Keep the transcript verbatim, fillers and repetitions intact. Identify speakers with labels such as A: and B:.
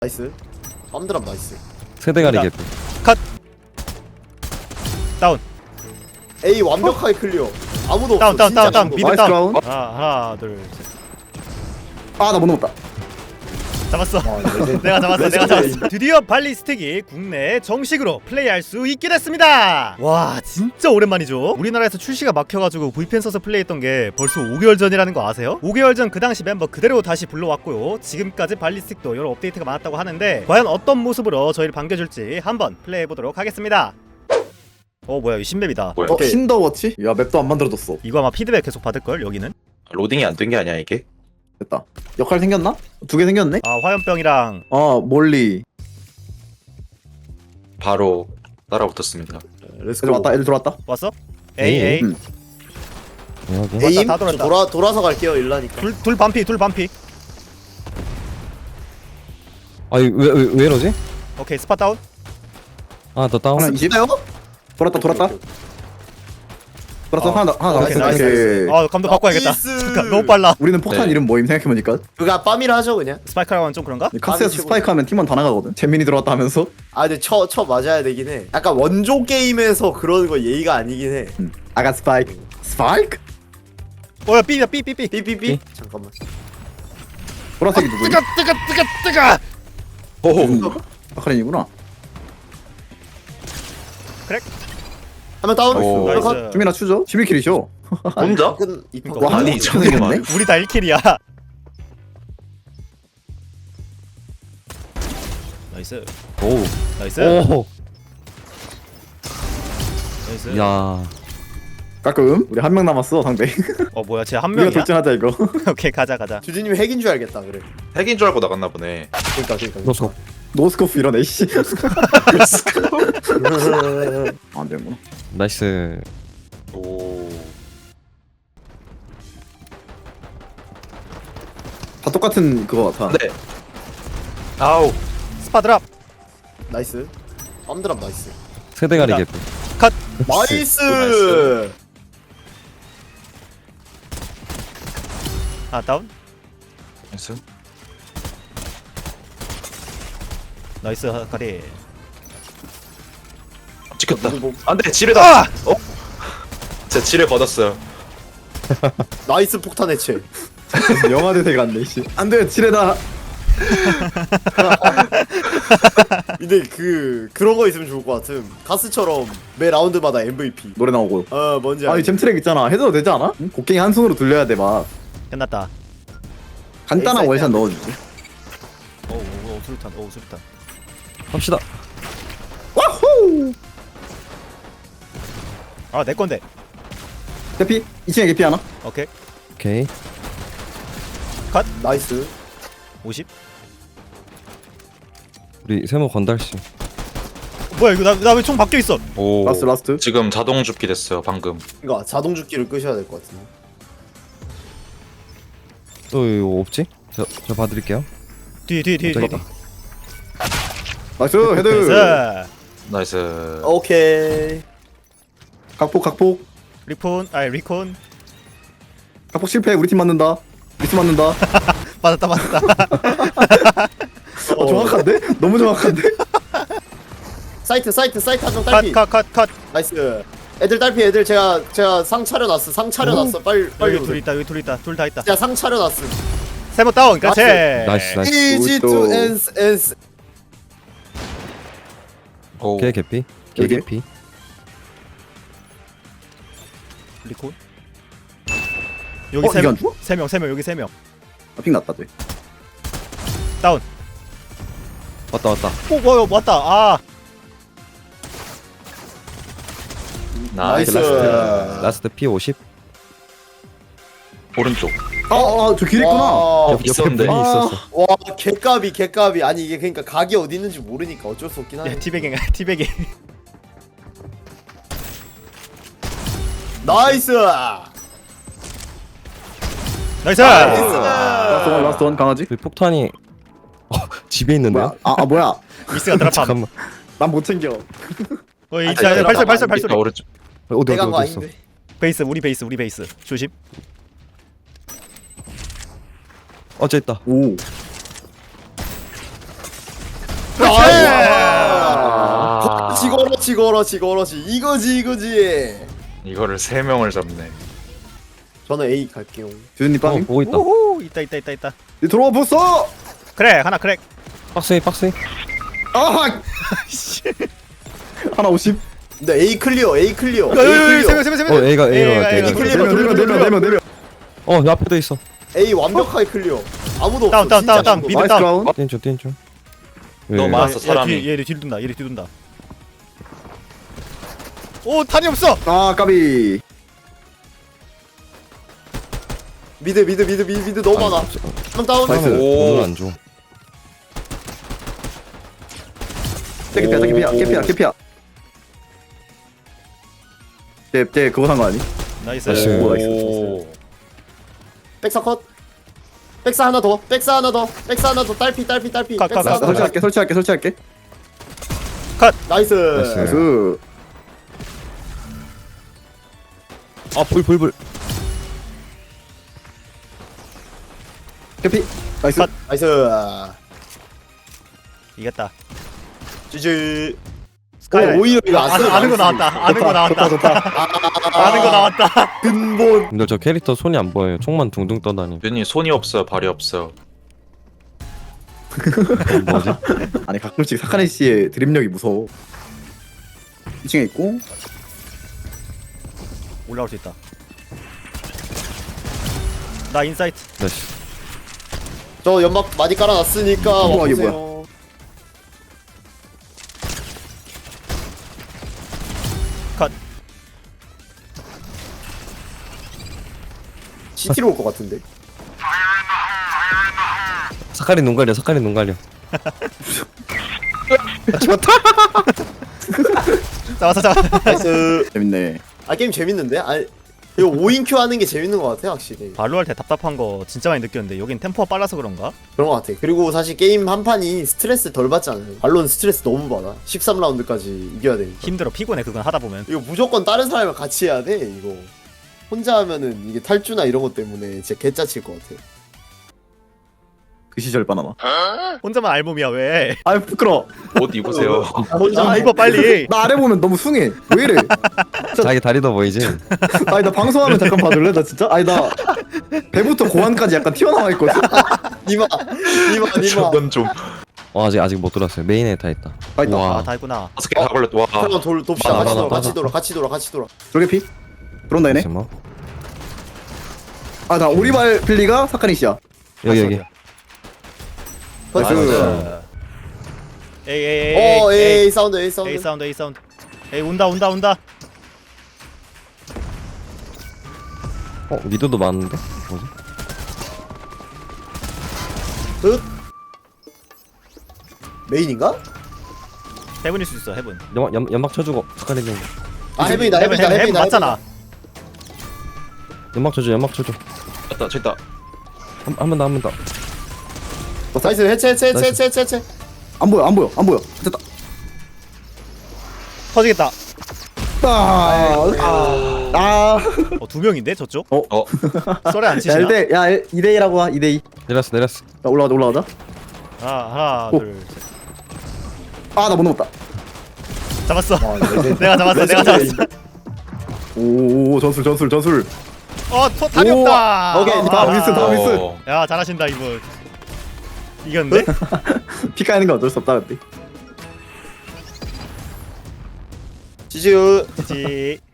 A: 나이스. 빰드랍 나이스.
B: 세대가리
C: 자.
B: 개피.
C: 컷. 다운.
A: A 완벽하게 클리어. 아무도
C: 다운,
A: 없어.
C: 다운,
A: 진짜
C: 다운, 다운.
A: 아무도
C: 미드
A: 없어.
C: 다운.
D: 다운.
C: 하나, 하나, 둘, 셋.
D: 아 나 못 넘었다.
C: 잡았어.
A: 아, 레전드.
C: 내가 잡았어. 내가
A: 레전드.
C: 잡았어. 드디어 발리스틱이 국내에 정식으로 플레이할 수 있게 됐습니다. 와, 진짜 오랜만이죠. 우리나라에서 출시가 막혀가지고 브이피엔 써서 플레이했던 게 벌써 오 개월 전이라는 거 아세요? 오 개월 전 그 당시 멤버 그대로 다시 불러왔고요. 지금까지 발리스틱도 여러 업데이트가 많았다고 하는데 과연 어떤 모습으로 저희를 반겨줄지 한번 플레이해보도록 하겠습니다. 어 뭐야 이 신맵이다.
E: 뭐야?
D: 어
A: 오케이.
D: 신더워치? 야 맵도 안 만들어졌어.
C: 이거 아마 피드백 계속 받을걸 여기는.
E: 로딩이 안 된 게 아니야 이게?
D: 됐다. 역할 생겼나? 두 개 생겼네?
C: 아 화염병이랑
D: 어 몰리.
E: 바로 따라붙었습니다.
A: 렛츠고.
D: 애들 왔다. 애들 들어왔다.
C: 왔어? A
B: 에이.
C: A
D: 응.
B: 여기.
A: 에임
C: 다 돌았다.
A: 돌아 돌아서 갈게요 일라니까.
C: 둘, 둘 반피 둘 반피.
B: 아니 왜왜 왜 이러지?
C: 오케이 스팟 다운.
B: 아 너 다운.
D: 하나 이십.
A: 있나요?
D: 돌았다 돌았다. 돌았어.
C: 어.
D: 하나 더- 하나
C: 오케이,
D: 남았어.
C: 나이스,
D: 오케이.
C: 아 감독 바꿔야겠다.
A: 나이스.
C: 잠깐 너무 빨라.
D: 우리는 폭탄
E: 네.
D: 이름 뭐임 생각해보니까
A: 그가 빰이라 하죠 그냥.
C: 스파이크랑은 좀 그런가?
D: 카스에서
A: 치고.
D: 스파이크 하면 팀원 다 나가거든. 재민이 들어왔다 하면서.
A: 아 근데 쳐, 쳐 맞아야 되긴 해. 약간 원조 게임에서 그러는 거 예의가 아니긴 해.
D: 응. 아가 스파이크. 스파이크?
C: 어야 B야 B B B.
A: 삐삐삐. 잠깐만.
D: 보라색이 누구니?
C: 뜨거 뜨거 뜨거 뜨거.
E: 오.
D: 아카린이구나.
A: 한 명 다운.
E: 오.
A: 하나 컷.
C: 나이스.
D: 주민아 추죠? 십일 킬이죠?
E: 혼자?
A: 끝. 이퍼.
C: 그러니까
D: 와,
E: 아니
D: 한
E: 이천이구만.
C: 우리 다 일 킬이야. 나이스.
B: 오.
C: 나이스.
B: 오.
C: 나이스.
B: 야.
D: 가끔 우리 한 명 남았어 상대.
C: 어 뭐야 쟤 한
D: 우리가
C: 명이야?
D: 돌진하자 이거.
C: 오케이 가자 가자.
A: 주진님이 핵인 줄 알겠다 그래.
E: 핵인 줄 알고 나갔나 보네.
A: 그러니까 그러니까.
B: 노스코.
D: 노스코프 이러네 씨. 안 되는구나.
B: 나이스.
E: 오.
D: 다 똑같은 그거 같아.
E: 네. 아우.
C: 스파 드랍.
A: 나이스. 빰드랍 나이스.
B: 세대가리
C: 자.
B: 개피.
C: 컷.
A: 나이스.
E: 나이스.
C: 하나 다운.
E: 나이스.
C: 나이스 가리.
E: 찍혔다.
A: 누구 뭐-
E: 안돼 지뢰다.
C: 아!
E: 어? 제 지뢰 걷었어요.
A: 나이스 폭탄 해체.
D: 영화 대세 같네 씨. 안돼 지뢰다.
A: 근데 그 그런 거 있으면 좋을 것 같음. 가스처럼 매 라운드마다 엠브이피.
D: 노래 나오고.
A: 어 뭔지
D: 아니
A: 알지?
D: 잼트랙 있잖아. 해도 되지 않아? 응? 곡괭이 한 손으로 돌려야 돼 막.
C: 끝났다.
D: 간단한
A: 에이사이드
D: 월샷
A: 하면
D: 넣어주지.
C: 오오 수류탄 오 수류탄.
B: 합시다.
D: 와후.
C: 아 내 건데.
D: 개피 이 층에 개피 하나.
C: 오케이.
B: 오케이.
A: 나이스.
C: 오십.
B: 우리 세모 건달 씨.
C: 뭐야 이거 나 나 왜 총 바뀌어 있어?
E: 오.
D: 라스트 라스트.
E: 지금 자동 죽기 됐어요 방금.
A: 그러니까 자동 죽기를 끄셔야 될 것 같은데.
B: 또 이거 없지? 저 저 봐드릴게요.
C: 뒤 뒤 뒤 뒤.
B: 저기다.
D: 나이스 헤드.
C: 나이스.
E: 나이스.
A: 오케이.
D: 각폭 각폭.
C: 리폰 아니 리콘.
D: 각폭 실패. 우리 팀 맞는다. 미스 맞는다.
C: 맞았다 맞았다.
D: 어, 정확한데? 너무 정확한데?
A: 사이트 사이트 사이트 한 명 딸피.
C: 컷 컷 컷 컷.
A: 나이스. 애들 딸피 애들 제가 제가 상 차려놨어. 상 차려놨어. 빨리 빨리.
C: 여기 둘
A: 오세요.
C: 있다 여기 둘 있다 둘 다 있다.
A: 제가 상 차려놨음.
C: 세모 다운. 그렇지.
B: 나이스 나이스.
A: Easy
D: 또.
A: to ans ans.
E: 오.
B: 개 개피. 개
D: 여기?
B: 개피.
C: 리콘. 여기
D: 어,
C: 세
D: 이게
C: 명.
D: 안 죽어?
C: 세 명 세 명 여기 세 명.
D: 아, 핑 났다 돼.
C: 다운.
B: 왔다 왔다.
C: 오 뭐야 왔다. 아.
E: 나이스.
A: 나이스.
B: 라스트 라스트 피 오십.
E: 오른쪽.
D: 아저 길 있구나.
A: 와,
B: 옆, 옆에
E: 있었는데.
B: 분이 있었어.
A: 와 개까비 개까비. 아니 이게 그러니까 각이 어디 있는지 모르니까 어쩔 수 없긴 하네.
C: 야 티베깅 티베깅.
A: 나이스.
C: 나이스.
A: 나이스.
D: 라스트 원 라스트 원 강아지.
B: 그 폭탄이 어, 집에 있는데요?
D: 뭐야? 아, 아 뭐야?
C: 미스가 드랍함.
B: 잠깐만.
D: 난 못 챙겨.
C: 어, 이
A: 아니,
C: 자,
A: 아니,
C: 발소리
A: 아니,
C: 발소리
A: 아니,
C: 발소리.
E: 오른쪽.
B: 어디 어디
A: 내가 한 거
B: 어디 있어?
A: 아닌데.
C: 베이스 우리 베이스 우리 베이스. 조심.
B: 어째 있다.
D: 오.
E: 아,
A: 그렇지 그렇지 그렇지 그렇지 이거지 이거지.
E: 이거를 세 명을 잡네.
A: 저는 A 갈게요.
D: 주준님
B: 어
D: 빵.
B: 보고 있다.
C: 오호 있다 있다 있다 있다.
D: 이 들어와 보소.
C: 그래 하나 크랙.
B: 박스에 박스에.
D: 아. 하나 오십.
A: 근데 A 클리어 A 클리어 A
C: 세명
A: 클리어
C: 세명 세명.
B: 어 A가 A가 갈게.
A: A가
B: A가.
A: 클리어.
D: 네명 네명 네명 네명 네명.
B: 어 내 앞에도 있어.
A: A 완벽하게 클리어. 아무도 없어.
C: 다운, 다운,
A: 진짜
C: 다운, 다운.
A: 아무도
C: 미드
D: 나이스
C: 다운.
D: 라운.
B: 뛴죠 뛴죠.
E: 너무 많았어 사람이.
C: 얘, 얘 뒤둔다. 얘 뒤둔다. 오 탄이 없어.
D: 아 까비.
A: 미드 미드 미드 미드 미드 너무 많아. 한 다운.
D: 나이스.
E: 오.
B: 오늘 안 줘.
D: 깨피야 깨피야 깨피야 깨피야. 쟤쟤 그거 산 거 아니?
C: 나이스.
B: 나이스.
E: 오.
A: 백사 컷. 백사 하나 더. 백사 하나 더. 백사 하나 더. 딸피 딸피 딸피.
C: 컷,
A: 백사
C: 컷,
A: 하나 더.
D: 설치할게 설치할게 설치할게.
A: 나이스.
B: 나이스.
D: 나이스.
B: 아불불불.
D: 깨피. 나이스.
C: 컷.
A: 나이스.
C: 이겼다.
A: 지지.
C: 스카이라이트.
A: 오, 오히려 이거 안
C: 아는,
A: 써도
C: 아는 거
A: 나이스.
C: 나왔다. 아는 거 나왔다.
D: 좋다 좋다.
C: 아는 거 나왔다.
A: 근본.
B: 근데 저 캐릭터 손이 안 보여요. 총만 둥둥 떠다니.
E: 윤이 손이 없어 발이 없어.
B: 뭐지?
D: 아니 가끔씩 사카네 씨의 드립력이 무서워. 이 층에 있고.
C: 올라올 수 있다. 나 인사이트.
B: 나이스.
A: 저 연막 많이 깔아놨으니까
D: 우와, 이게
A: 와보세요.
C: 컷.
A: 시티로 올 것 같은데.
B: 사카리 눈 가려. 사카리 눈 가려.
C: 잡았어 잡았어.
A: 나이스.
D: 재밌네.
A: 아 게임 재밌는데? 아 이거 오 인큐 하는 게 재밌는 것 같아 확실히.
C: 발로 할 때 답답한 거 진짜 많이 느꼈는데 여긴 템포가 빨라서 그런가?
A: 그런 것 같아. 그리고 사실 게임 한 판이 스트레스 덜 받잖아요. 발론 스트레스 너무 받아. 십삼 라운드까지 이겨야 되니까.
C: 힘들어 피곤해 그건 하다 보면.
A: 이거 무조건 다른 사람이랑 같이 해야 돼 이거. 혼자 하면은 이게 탈주나 이런 것 때문에 진짜 개짜칠 것 같아.
D: 그 시절 바나나.
C: 혼자만 알몸이야 왜?
D: 아 부끄러.
E: 옷 입으세요.
A: 혼자
C: 아 입어 빨리.
D: 나 아래 보면 너무 숭해. 왜 이래?
B: 자기 다리도 보이지?
D: 아니 나 방송하면 잠깐 봐줄래? 나 진짜? 아니 나 배부터 고환까지 약간 튀어나와 있거든.
A: 니마 니마 니마.
E: 저건 좀
B: 어 아직 아직 못 들어왔어요. 메인에 다 있다.
D: 아 있다.
B: 우와.
C: 아 다 했구나.
E: 다섯 개다 걸렸다. 와.
A: 한번 돌 돕시다.
B: 많아,
A: 같이
B: 많아,
A: 돌아 같이
B: 많아.
A: 돌아 같이 돌아 같이 돌아.
D: 저게 피? 들어온다 얘네.
B: 잠깐만.
D: 아 나 오리발 필리가 사카네 씨야.
B: 여기 여기.
A: 나이스.
C: 에이 에이 에이.
A: 어
C: 에이,
A: A 사운드 A 사운드.
C: 에이 사운드 에이 사운드. 에이 온다 온다 온다.
B: 어 미드도 많은데? 뭐지?
A: 끝. 메인인가?
C: 해븐일 수 있어 해븐.
B: 연막 연, 연막 쳐주고 사카리 좀.
A: 아 해븐이다
C: 해븐
A: 해븐이다
C: 해븐 해븐
A: 해븐이다.
C: 맞잖아.
B: 연막 쳐줘. 연막 쳐줘.
E: 됐다 됐다.
B: 한 번 더 한 번 더.
A: 나이스 해체 해체 해체
B: 나이스.
A: 해체 해체 해체.
D: 안 보여 안 보여 안 보여. 됐다.
C: 터지겠다.
D: 아. 아.
C: 어두 명인데 저쪽?
E: 어.
C: 썰에 안
D: 야
C: 치시나?
D: 일 대 야 이 대 이라고 하. 이 대 이.
B: 내렸어 내렸어.
D: 자 올라가자 올라가자.
C: 하나 하나
D: 오.
C: 둘. 셋.
D: 아 나 못 넘었다.
C: 잡았어.
A: 와, 레전드.
C: 내가 잡았어 내가 잡았어.
D: 오 전술 전술 전술.
C: 어 토, 탄이
D: 오,
C: 없다.
D: 오케이, 다음 미스, 다음 미스.
E: 어.
C: 야 잘하신다 이분. 이겼는데?
D: 피 까는 건 어쩔 수 없다 근데.
A: 지지우.
C: 지.